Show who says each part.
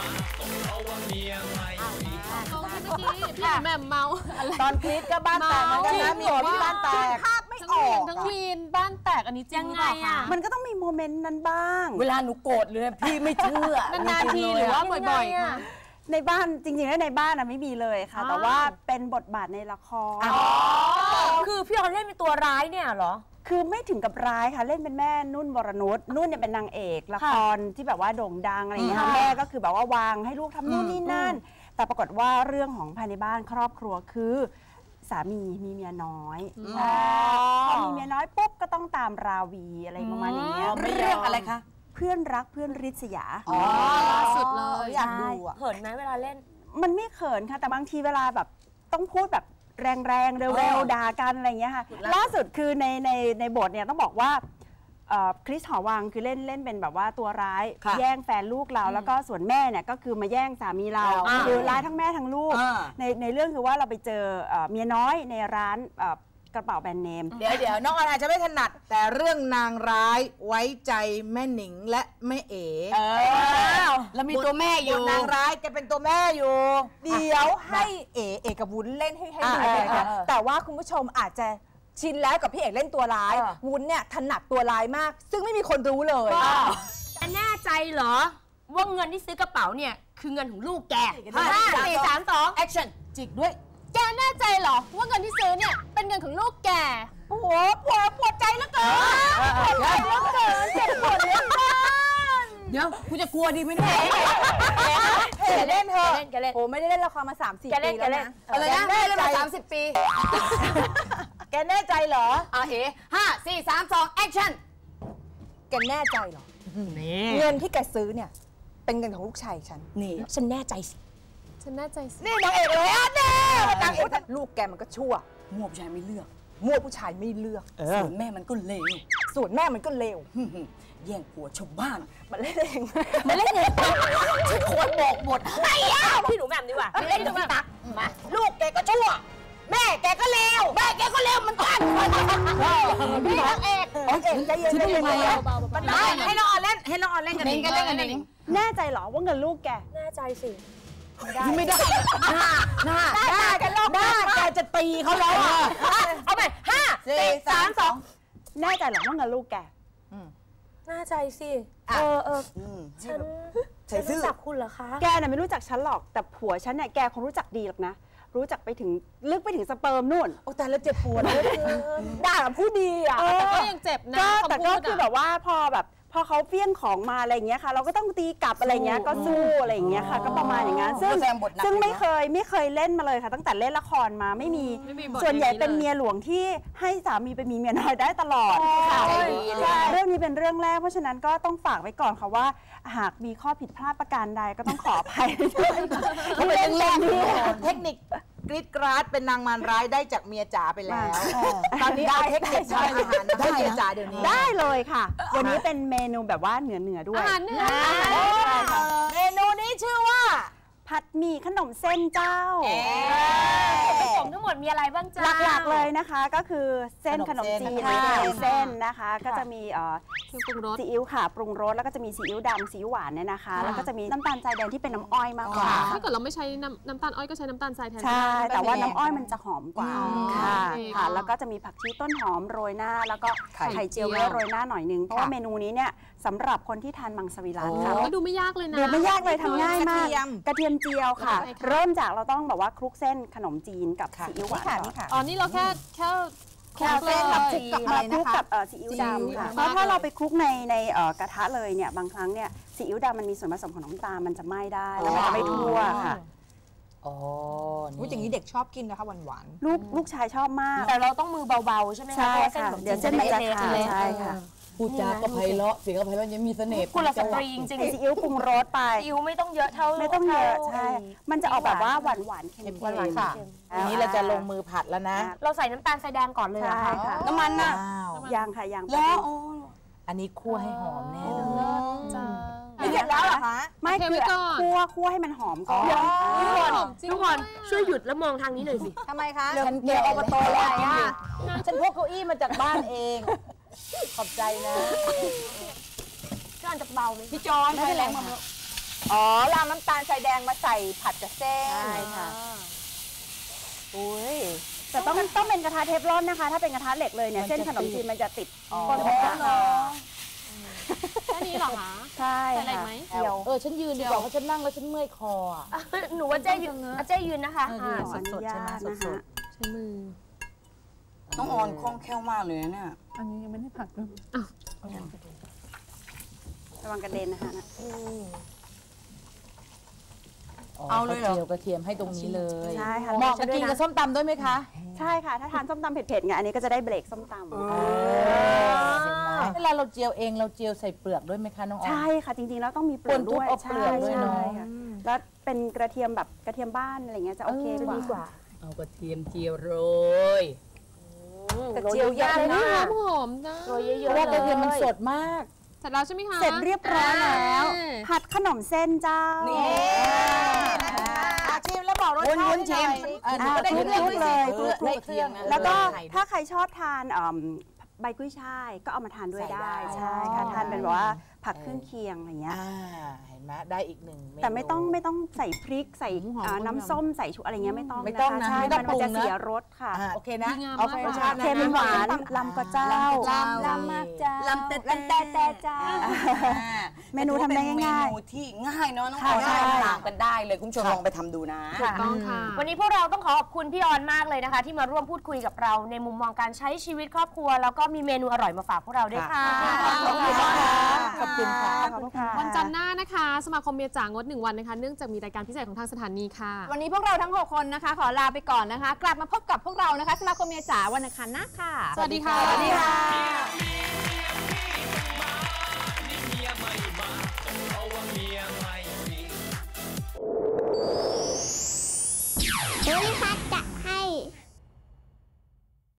Speaker 1: พี่แม่เมา
Speaker 2: ตอนคลิปก็บ้านแตกเหมือนกันนะมีที่บ้านแตกภาพไม่ออก
Speaker 1: ทั้งวีนบ้านแตกอันนี้จริงไงอ่ะ
Speaker 2: มันก็ต้องมีโมเมนต์นั้นบ้าง
Speaker 3: เวลาหนูโกรธเลยพี่ไม่เชื่อน
Speaker 1: านๆทีหรือว่าบ่อยๆค่ะ
Speaker 2: ในบ้านจริงๆแล้วในบ้านไม่มีเลยค่ะแต่ว่าเป็นบทบาทในละคร
Speaker 3: คือพี่ออนเล่นเป็นตัวร้ายเนี่ยเหรอ
Speaker 2: คือไม่ถึงกับร้ายค่ะเล่นเป็นแม่นุ่นวรนุชนุ่นเนี่ยเป็นนางเอกละครที่แบบว่าโด่งดังอะไรอย่างเงี้ยค่ะแม่ก็คือแบบว่าวางให้ลูกทำนู่นนี่นั่นแต่ปรากฏว่าเรื่องของภายในบ้านครอบครัวคือสามีมีเมียน้อยพอมีเมียน้อยปุ๊บก็ต้องตามราวีอะไรประมาณอย่างเงี้ย
Speaker 3: เรื่องอะไรคะ
Speaker 2: เพื่อนรักเพื่อนริษยา
Speaker 1: สุดเลย
Speaker 3: อยากดูเขินไหมเวลาเล่น
Speaker 2: มันไม่เขินค่ะแต่บางทีเวลาแบบต้องพูดแบบแรงๆเร็วๆด่ากันอะไรเงี้ยค่ะล่าสุดคือในบทเนี่ยต้องบอกว่าคริสหอวังคือเล่นเป็นแบบว่าตัวร้ายแย่งแฟนลูกเราแล้วก็ส่วนแม่เนี่ยก็คือมาแย่งสามีเราคือร้ายทั้งแม่ทั้งลูกในเรื่องคือว่าเราไปเจอเมียน้อยในร้านกระเป๋าแบรนด์เนม
Speaker 4: เดี๋ยวน้องอาจจะไม่ถนัดแต่เรื่องนางร้ายไว้ใจแม่หนิงและแม่เอ๋
Speaker 3: แล้วมีตัวแม่อยู่
Speaker 4: นางร้ายแกเป็นตัวแม่อยู่
Speaker 5: เดี๋ยวให้เอ๋กับวุ้นเล่นให้ดูเลยค่ะแต่ว่าคุณผู้ชมอาจจะชินแล้วกับพี่เอกเล่นตัวร้ายวุ้นเนี่ยถนัดตัวร้ายมากซึ่งไม่มีคนรู้เลย
Speaker 3: แน่ใจเหรอว่าเงินที่ซื้อกระเป๋าเนี่ยคือเงินของลูกแก5 4 3 2 action จิกด้วย
Speaker 1: แกแน่ใจเหรอว่าเงินที่ซื้อเนี่ยเป็นเงินของลูกแก
Speaker 5: โอ้โหปวดใจแล้วเกินปวดใจแล้วเกินเจ็บปวดเหลือเกิน
Speaker 3: เดี๋ยวกูจะกลัวดีไหมเนี่ย
Speaker 5: เล่นเถอะโอ้ไม่ได้เล่นละครมา3-4 ปีแล้วนะ
Speaker 3: อะไรนะเล่นมา30 ปี
Speaker 5: แกแน่ใจเหรอ
Speaker 3: 5 4 3 2 action
Speaker 5: แกแน่ใจเหรอเงินที่แกซื้อเนี่ยเป็นเงินของลูกชายฉัน
Speaker 3: นี่ฉันแน่ใจสิ
Speaker 1: ฉันแน่ใจสิ
Speaker 5: นี่นางเอกเลยอ่ะนี่นางเอกลูกแกมันก็ชั่ว
Speaker 3: มั่วผู้ชายไม่เลือก
Speaker 5: มั่วผู้ชายไม่เลือก
Speaker 3: ส่วนแม่มันก็เลว
Speaker 5: ส่วนแม่มันก็เลว
Speaker 3: แย่งผัวชาวบ้าน
Speaker 5: มันเล่นเอง
Speaker 3: มันเล่นเองฉันควรบอกหมดให้พี่หนูแหม่มดีกว่าพี่เล่นดูพี่ตั๊กมาลูกแกก็ชั่วแม่แกก็เลวแม่แกก็เลวเหมือนกัน
Speaker 5: พี่นางเอกใจเย็น
Speaker 3: ให้น้องออนเล่นให้น้องออนเล่นกันเอง
Speaker 2: แน่ใจเหรอว่าเงินลูกแก
Speaker 5: แน่ใจสิ
Speaker 3: ไม่ได้ได้
Speaker 5: กันลอกได้
Speaker 3: แกจะตีเขาแล้วเอาไป5 4 3 2
Speaker 2: แน่ใจเหรอว่าเงินลูกแก
Speaker 5: แน่ใจสิฉันรู้จักคุณเหรอคะ
Speaker 2: แกน่ะไม่รู้จักฉันหรอกแต่ผัวฉันเนี่ยแกคงรู้จักดีหรอกนะรู้จักไปถึงลึกไปถึงสเปิร์มนู่น
Speaker 5: โอ้แต่แล้วเจ็บปวดเลยด่ากับผู้ดีอ่ะ
Speaker 1: แต่ก็ยังเจ็บนะ
Speaker 2: แต่ก็คือแบบว่าพอเขาเฟี้ยงของมาอะไรอย่างเงี้ยค่ะเราก็ต้องตีกลับอะไรเงี้ยก็สู้อะไรอย่างเงี้ยค่ะก็ประมาณอย่างนั้นซึ่งไม่เคยเล่นมาเลยค่ะตั้งแต่เล่นละครมาไม่มีส่วนใหญ่เป็นเมียหลวงที่ให้สามีไปมีเมียน้อยได้ตลอดค่ะเรื่องนี้เป็นเรื่องแรกเพราะฉะนั้นก็ต้องฝากไว้ก่อนค่ะว่าหากมีข้อผิดพลาดประการใดก็ต้องขออภัย
Speaker 4: ที่เล่นเทคนิคกรีดกราดเป็นนางมารร้ายได้จากเมียจ๋าไปแล้วตอนนี้เอาเทคนิคทำอาหารได้เมียจ๋าเดี๋ยวนี้
Speaker 2: ได้เลยค่ะวันนี้เป็นเมนูแบบว่าเหนือด้วย
Speaker 1: อาหารเหนือ
Speaker 4: เมนูนี้ชื่อว่า
Speaker 2: ผัดหมี่ขนมเส้นเจ้า
Speaker 3: ผสมทั้งหมดมีอะไรบ้างจ้า
Speaker 2: หลักๆเลยนะคะก็คือเส้นขนมจีนเส้นนะคะก็จะมี
Speaker 1: ปรุงรส
Speaker 2: ซีอิ๊วค่ะปรุงรสแล้วก็จะมีซีอิ๊วดำซีอิ๊วหวานเนี่ยนะคะแล้วก็จะมีน้ำตาลทรายแดงที่เป็นน้ำอ้อยมากกว่า
Speaker 1: ถ้าเกิดเราไม่ใช้น้ำตาลอ้อยก็ใช้น้ำตาลทรายแทน
Speaker 2: ใช่แต่ว่าน้ำอ้อยมันจะหอมกว่าค่ะแล้วก็จะมีผักชีต้นหอมโรยหน้าแล้วก็ไข่เจียวโรยหน้าหน่อยนึงเพราะว่าเมนูนี้เนี่ยสำหรับคนที่ทานมังสวิรัติค่ะ
Speaker 1: ดูไม่ยากเลยนะ
Speaker 2: ดูไม่ยากเลยทำง่ายมากกระเทียมเจียวค่ะเริ่มจากเราต้องแบบว่าคลุกเส้นขนมจีนกับซีอิ๊วหวาน
Speaker 1: อ๋อนี่เราแค่
Speaker 2: เส้นกับคลุกกับซีอิ๊วดำค่ะเพราะถ้าเราไปคลุกในกระทะเลยเนี่ยบางครั้งเนี่ยซีอิ๊วดำมันมีส่วนผสมของน้ำตาลมันจะไหม้ได้แล้วมันจะไม่ทั่วค่ะ
Speaker 4: อ๋อ
Speaker 5: อย่างนี้เด็กชอบกินนะคะหวาน
Speaker 2: ลูกชายชอบมาก
Speaker 3: แต่เราต้องมือเบาๆใช่ไหมคะ
Speaker 2: ใช่ค่ะเดี๋ยวเส้นมันจะขาดใช่ค่ะ
Speaker 4: พูดจาก็ไพเราะเสียงก็ไพเราะยังมีเสน่ห์
Speaker 3: กุลสตรีจริง
Speaker 2: ๆซีอิ๊วปรุงรสไป
Speaker 3: ซีอิ๊วไม่ต้องเยอะเท่า
Speaker 2: ไม่ต้องเยอะใช่มันจะออกแบบว่าหวานๆเค็ม
Speaker 4: ๆค่ะอันนี้เราจะลงมือผัดแล้วนะ
Speaker 3: เราใส่น้ำตาลทรายแดงก่อนเลยค่ะ
Speaker 2: น้ำมันน่ะยางค่ะยาง
Speaker 4: แล้วอันนี้คั่วให้หอมแน่เลย
Speaker 5: ไม่เสร็จแล้วเหรอคะ
Speaker 2: ไม่คือคั่วให้มันหอมก่อน
Speaker 3: ทุกคนช่วยหยุดแล้วมองทางนี้หน่อยสิ
Speaker 5: ทำไมคะ
Speaker 4: ฉันเกี่ยวอบตอะไรอ่ะฉันพกเก้าอี้มาจากบ้านเองขอบใจนะ
Speaker 3: จอนจะเบาไหม
Speaker 4: พี่จอนใช้แรงมา
Speaker 5: อ๋อรามน้ำตาลทรายแดงมาใส่ผัดกับเส้น
Speaker 2: ใช่ค่ะ
Speaker 5: อุ้ย
Speaker 2: แต่ต้องเป็นกระทะเทฟลอนนะคะ ถ้าเป็นกระทะเหล็กเลยเนี่ยเส้นขนมจีนมันจะติดก้นกระทะ
Speaker 1: แค่นี้เหรอคะ
Speaker 2: ใช่
Speaker 1: ใส่อะไร
Speaker 2: ค่ะ
Speaker 1: ไหม
Speaker 2: เดียว
Speaker 3: ฉันยืนดีกว่าเพราะฉันนั่งแล้วฉันเมื่อยคออ่ะ
Speaker 6: หนูว่าเจ๊ยืนเจ๊ยืนนะคะ
Speaker 2: ขออนุญาตนะคะ
Speaker 1: ใช้มือ
Speaker 7: น้องออนคล่องแคล่วมากเลยนะเนี่ย
Speaker 1: อันนี้ยังไม่ได้ผักเลย
Speaker 2: ระวังกระเด็นนะคะนะ
Speaker 7: เอาเลยเหรอ
Speaker 3: เจียวกระเทียมให้ตรงนี้เลย
Speaker 2: ใช่ค่ะ
Speaker 3: เหมาะกับกินกับส้มตำด้วยไหมคะ
Speaker 2: ใช่ค่ะ ถ้าทานส้มตำเผ็ดๆไงอันนี้ก็จะได้เบรกส้มตำ
Speaker 3: เวลาเราเจียวเองเราเจียวใส่เปลือกด้วยไหมคะน้องออน
Speaker 2: ใช่ค่ะจริงๆแล้วต้องมีเปลือกด้วย
Speaker 3: คนทุบเอาเปลือกด้วยเนอะ
Speaker 2: ใช่ค่ะแล้วเป็นกระเทียมแบบกระเทียมบ้านอะไรเงี้ยจะโอเคกว่า
Speaker 7: เอากระเทียมเจียวโรย
Speaker 5: แต่เจียวยากนะ
Speaker 1: หอมนะ
Speaker 6: โรยเย
Speaker 3: เพ
Speaker 6: อะ
Speaker 3: ราะว่า
Speaker 6: ๆ
Speaker 3: กระเทียมมัน
Speaker 6: เลย
Speaker 3: สดมาก
Speaker 1: เสร็จแล้วใช่ไหมคะ
Speaker 2: เสร็จเรียบร้อยแล้วผัดขนมเส้นเจ้า
Speaker 7: นี่
Speaker 4: ชิมแล้วบอกรสชาติ
Speaker 7: วุ้นๆชิม
Speaker 4: ก็ได้
Speaker 2: คลุ
Speaker 4: เรื่อง
Speaker 2: ก
Speaker 4: ด้วย
Speaker 2: เล
Speaker 4: สิ
Speaker 2: ย
Speaker 7: ได้เคียงนะ
Speaker 2: แล้วก็ถ้าใครชอบทานใบกุ้ยช่ายก็เอามาทานด้วยได้ใช่ค่ะทานเป็นแบบว่าผักเครื่องเคียงอะไรเงี้ย
Speaker 4: เห็นไหมได้อีกหนึ่งเมนู
Speaker 2: แต่ไม่ต้องใส่พริกใส่น้ำส้มใส่ชูอะไรเงี้ยไม่ต้อง
Speaker 4: ไม่ต้องนะ
Speaker 2: ใช่
Speaker 4: ไม่ต้อง
Speaker 2: มันจะ
Speaker 4: ปรุงนะ
Speaker 2: เสียรสค่ะ
Speaker 4: โอเคนะ
Speaker 1: ดีงาม
Speaker 4: เอา
Speaker 1: มาก
Speaker 4: รสชาติ
Speaker 2: เค็มหวานลำกระเจ้า
Speaker 6: ลำมากจ้า
Speaker 7: ลำแต่
Speaker 6: จ้า
Speaker 2: เมนูทำได้ง่าย
Speaker 7: เมนูที่ง่ายเนาะน้องอ
Speaker 2: ค่ะ
Speaker 7: อน
Speaker 2: ใช่
Speaker 7: ตามกันได้เลยคุณผู้ชมลองไปทำดูนะ
Speaker 1: ถูกต้องค่ะ
Speaker 6: วันนี้พวกเราต้องขอขอบคุณพี่ออนมากเลยนะคะ ที่มาร่วมพูดคุยกับเราในมุมมองการใช้ชีวิตครอบครัว แล้วก็มีเมนูอร่อยมาฝากพวกเราด้วยค่ะ
Speaker 2: ขอบคุณค่ะ
Speaker 3: ขอบคุณค่ะ
Speaker 2: ขอบคุณค่ะ
Speaker 1: วันจันทร์หน้านะคะ สมาคมเมียจ๋างด1 วันนะคะ เนื่องจากมีรายการพิเศษของทางสถานีค่ะ
Speaker 5: วันนี้พวกเราทั้ง 6 คนนะคะ ขอลาไปก่อนนะคะ กลับมาพบกับพวกเรานะคะ สมาคมเมียจ๋าวันอังคารหน้าค่ะ
Speaker 1: สวัสดีค่ะ
Speaker 5: สวัสดีค่ะ